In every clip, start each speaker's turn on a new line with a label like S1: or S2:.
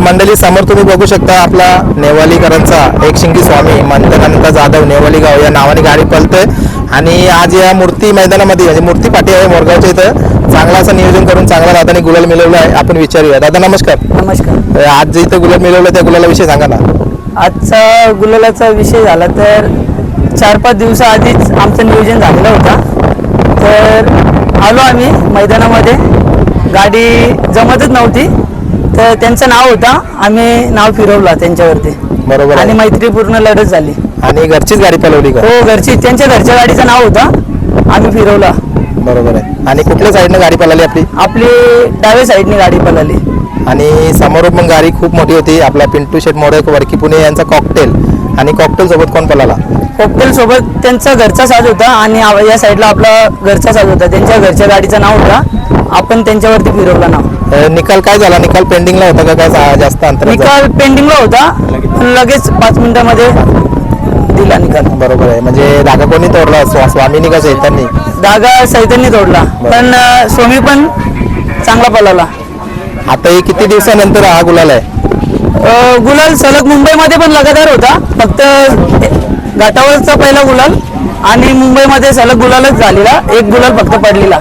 S1: मंडळी समोर तुम्ही बघू शकता आपला नेवालीकरांचा एक शिंगी स्वामी मंथनानंद जाधव नेवाली गाव या नावाने गाडी पळते आणि आज या मूर्ती मैदानामध्ये म्हणजे मूर्ती पाठी आहे मोरगावच्या इथं चांगला असं नियोजन करून चांगला दादाने गुलाल मिळवला आहे. आपण विचारूया. दादा नमस्कार.
S2: नमस्कार.
S1: आज जे इथं गुलाल मिळवलं त्या गुलालाविषयी सांगा ना.
S2: आजचा गुलालाचा विषय झाला तर 4-5 दिवसाआधीच आमचं नियोजन झालेलं होता. तर आलो आम्ही मैदानामध्ये, गाडी जमतच नव्हती तर त्यांचं नाव होता, आम्ही नाव फिरवला त्यांच्यावरती.
S1: बरोबर.
S2: आणि मैत्रीपूर्ण लढत झाली.
S1: आणि घरचीच गाडी पळवली का?
S2: हो घरची, त्यांच्या घरच्या गाडीचं नाव होता, आम्ही फिरवला.
S1: बरोबर आहे. आणि कुठल्या साईडनं गाडी पळाली आपली?
S2: आपली डाव्या साईडने गाडी पळाली.
S1: आणि समोर पण गाडी खूप मोठी होती. आपला पिंटू शेट मोडक वरकी पुणे यांचा कॉकटेल. आणि कॉकटेल सोबत कोण पळाला?
S2: कॉकटेल सोबत त्यांचा घरचा साज होता आणि या साईडला आपला घरचा साज होता. त्यांच्या घरच्या गाडीचं नाव होता, आपण त्यांच्यावरती फिरवला नाव.
S1: निकाल काय झाला? निकाल पेंडिंगला होता का काय जास्त अंतर?
S2: निकाल पेंडिंगला होता, पण लगेच 5 मिनिटांमध्ये दिला निकाल.
S1: बरोबर आहे. म्हणजे धागा कोणी तोडला? स्वामीनी का चैतन्य?
S2: धागा सैतन्य तोडला, पण स्वामी पण चांगला पळाला.
S1: आता हे किती दिवसानंतर हा गुलाल आहे?
S2: गुलाल सलग मुंबईमध्ये पण लगातार होता, फक्त घाटावरचा पहिला गुलाल आणि मुंबईमध्ये सलग गुलालच झालेला, एक गुलाल फक्त पडलेला.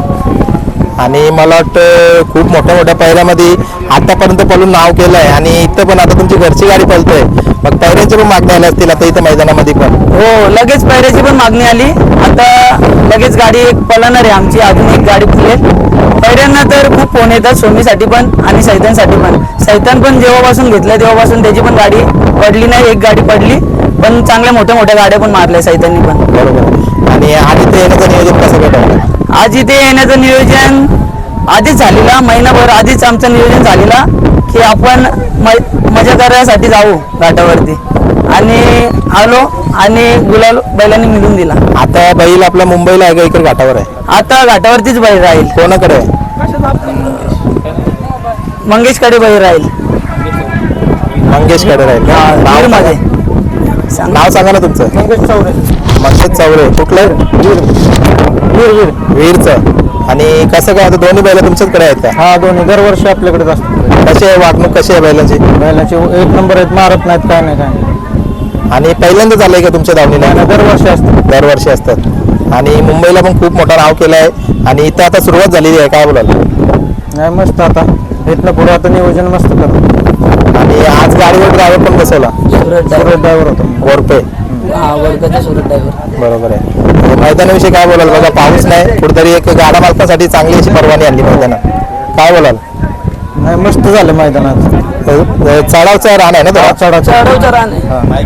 S1: आणि मला वाटतं खूप मोठ्या मोठ्या पैऱ्यामध्ये आतापर्यंत पळून नाव केलं आहे. आणि इथं पण आता तुमची घरची गाडी पळतोय, मग पैऱ्यांची पण मागणी आली असतील आता इथं मैदानामध्ये पण?
S2: हो, लगेच पैऱ्याची पण मागणी आली. आता लगेच गाडी एक पळणार आहे आमची, अजून एक गाडी फुलेल. पैऱ्यांना तर खूप फोन येतात, सोमीसाठी पण आणि सैतानसाठी पण. सैतान पण जेव्हापासून घेतलं तेव्हापासून त्याची पण गाडी पडली नाही, एक गाडी पडली, पण चांगल्या मोठ्या मोठ्या गाड्या पण मारल्या सैताननी पण.
S1: बरोबर. आणि आज इथे येण्याचं नियोजन कसं भेटलं?
S2: आज इथे येण्याचं नियोजन आधीच झालेला, महिनाभर आधीच आमचं नियोजन झालेला की आपण मजा करण्यासाठी जाऊ घाटावरती, आणि आलो आणि गुलाल बैलांनी मिळून दिला.
S1: आता बैल आपला मुंबईला आहे का इकडे घाटावर आहे?
S2: आता घाटावरतीच बैल राहील.
S1: कोणाकडे आहे?
S2: मंगेशकडे बैल राहील.
S1: मंगेशकडे राहील का? नाव
S2: मध्ये
S1: नाव सांगा ना तुमचं. मंगेश चौरे. कुठलं? वीरचं. आणि कसं काय आता दोन्ही बैल तुमच्याचकडे आहेत का?
S3: हा, दोन्ही दरवर्षी आपल्याकडेच असतात.
S1: कशी आहे वागणूक? कशी आहे बैलांची?
S3: बैलाचे 1 नंबर आहेत, मारत नाहीत, काय नाही काय.
S1: आणि पहिल्यांदा झालंय का तुमच्या धावणीला?
S3: दरवर्षी असतात.
S1: दरवर्षी असतात. आणि मुंबईला पण खूप मोठं नाव केलं आहे आणि इथं आता सुरुवात झालेली आहे, काय बोलाल?
S3: नाही, मस्त. आता इथनं पुढे आता नियोजन मस्त करतो.
S1: आणि आज गाडीवर ड्रायव्हर पण बसवला?
S3: सुरत ड्रायव्हर होतो.
S1: गोरपे.
S2: सुरत ड्रायव्हर.
S1: बरोबर आहे. मैदानाविषयी काय बोलाल? बघा पाऊस नाही, कुठेतरी एक गाडा मालकासाठी चांगली अशी परवानगी आणली मैदानात, काय बोलाल?
S3: नाही, मस्त झालं मैदानात.
S1: चढावचा रान आहे ना तो?
S2: चढवचं रान आहे.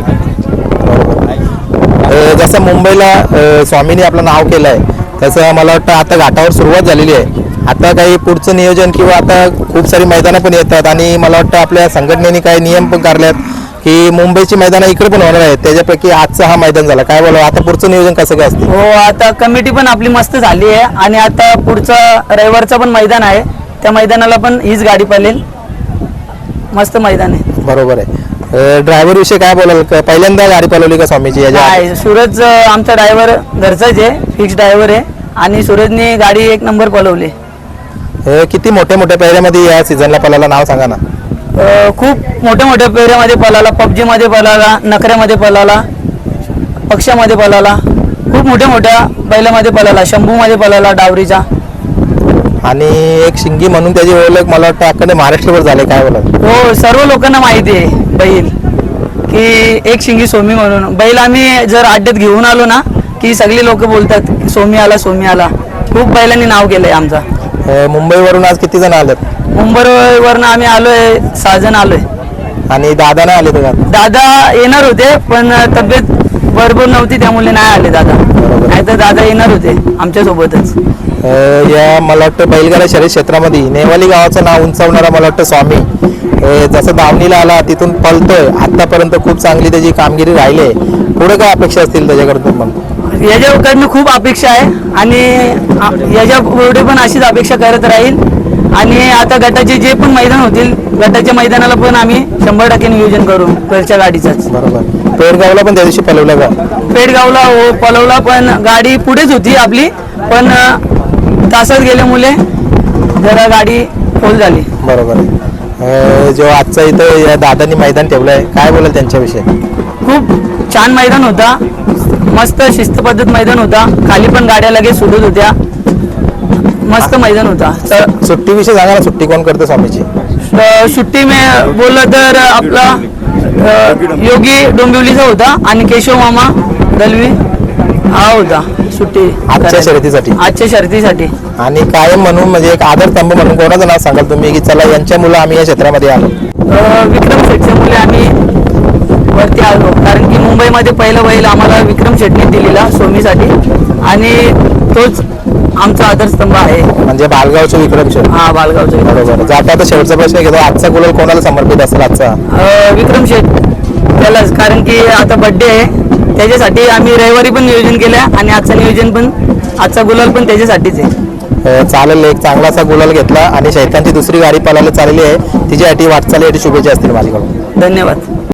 S1: जसं मुंबईला स्वामींनी आपलं नाव केलं आहे तसं मला वाटतं आता घाटावर सुरुवात झालेली आहे. आता काही पुढचं नियोजन किंवा आता खूप सारी मैदानं पण येतात आणि मला वाटतं आपल्या संघटनेने काही नियम पण काढलेत की मुंबईची मैदानं इकडे पण होणार आहेत, त्याच्यापैकी आजचा हा मैदान झाला, काय बोला आता पुढचं नियोजन कसं काय असतं?
S2: हो, आता कमिटी पण आपली मस्त झाली आहे आणि आता पुढचं रविवारचं पण मैदान आहे, त्या मैदानाला पण हीच गाडी पळेल. मस्त मैदान आहे.
S1: बरोबर आहे. ड्रायव्हर विषयी काय बोलाल? पहिल्यांदा गाडी पळवली का स्वामीची?
S2: नाही, सूरज आमचा ड्रायव्हर घरचाच आहे, फिक्स ड्रायव्हर आहे आणि सूरजने गाडी 1 नंबर पळवली.
S1: किती मोठ्या मोठ्या पैऱ्यामध्ये या सीझनला पळाला, नाव सांगा ना.
S2: खूप मोठ्या मोठ्या पेऱ्यामध्ये पळाला, PUBG मध्ये पळाला, नखऱ्यामध्ये पळाला, पक्षामध्ये पळाला, खूप मोठ्या मोठ्या बैलामध्ये पळाला, शंभूमध्ये पळाला, डावरीचा.
S1: आणि एक शिंगी म्हणून त्याची ओळख मला वाटतं अख्खा महाराष्ट्रभर झाले, काय बोलाल?
S2: हो, सर्व लोकांना माहिती आहे बैल की एक शिंगी सोमी म्हणून बैल. आम्ही जर अड्ड्यात घेऊन आलो ना की सगळी लोक बोलतात सोमी आला, सोमी आला. खूप बैलांनी नाव केलंय आमचा.
S1: मुंबईवरून आज किती जण आलेत?
S2: मुंबईवरनं आम्ही आलोय 6 जण आलोय.
S1: आणि दादा नाही आले तर?
S2: दादा येणार होते पण तब्येत बरोबर नव्हती त्यामुळे नाही आले दादा, नाही तर दादा येणार होते आमच्या सोबतच.
S1: या मला वाटतं बैलगाडा शर्यत क्षेत्रामध्ये नेवाली गावाचं नाव उंचावणारा मला वाटतं स्वामी जसं दावणीला आला तिथून पळतोय आतापर्यंत खूप चांगली त्याची कामगिरी राहिली आहे. पुढे काय अपेक्षा असतील त्याच्याकडून? पण
S2: याच्याकडनं खूप अपेक्षा आहे आणि याच्या पुढे पण अशीच अपेक्षा करत राहील. आणि आता गटाचे जे पण मैदान होतील, गटाच्या मैदानाला पण आम्ही 100% नियोजन करू घरच्या गाडीचाच.
S1: बरोबर. पेडगावला पण त्या दिवशी पळवलं का?
S2: पेडगावला हो पळवला, पण गाडी पुढेच होती आपली, पण तासात गेल्यामुळे जरा गाडी फोल झाली.
S1: बरोबर. जो आजचा इथं या दादांनी मैदान ठेवलं आहे, काय बोलाल त्यांच्याविषयी?
S2: खूप छान मैदान होता, मस्त शिस्तपद्धत मैदान होता, खाली पण गाड्या लगेच सुटत होत्या, मस्त मैदान होता. तर
S1: सुट्टीविषयी सांगा ना, सुट्टी कोण करतं स्वामीची?
S2: सुट्टी में बोललं तर आपला योगी डोंबिवलीचा होता आणि केशव मामा दलवी हा होता सुट्टी
S1: आजच्या शर्यतीसाठी.
S2: आजच्या शर्यतीसाठी.
S1: आणि कायम म्हणून म्हणजे एक आदरस्तंभ म्हणून कोणाचं नाव सांगाल तुम्ही की चला यांच्या मुलं आम्ही या क्षेत्रामध्ये आलो?
S2: विक्रम शेटच्या मुले आम्ही वरती आलो, कारण की मुंबईमध्ये पहिलं बैल आम्हाला विक्रम शेटने दिलेला सोमीसाठी आणि तोच आमचा आदरस्तंभ आहे.
S1: म्हणजे बालगावचे विक्रम शेठ.
S2: हा, बालगावचा
S1: बरोबर. जाता आता शेवटचा प्रश्न घेतो, आजचा गुलाल कोणाला समर्पित असेल आजचा?
S2: विक्रम शेट त्यालाच, कारण की आता बर्थडे आहे त्याच्यासाठी आम्ही रविवारी पण नियोजन केलं आणि आजचं नियोजन पण, आजचा गुलाल पण त्याच्यासाठीच आहे.
S1: चालेल, एक चांगलासा गुलाल घेतला आणि शैतानची दुसरी गाडी पळायला चाललेली आहे, तिच्यासाठी वाटचालीसाठी शुभेच्छा असतील माझ्याकडून.
S2: धन्यवाद.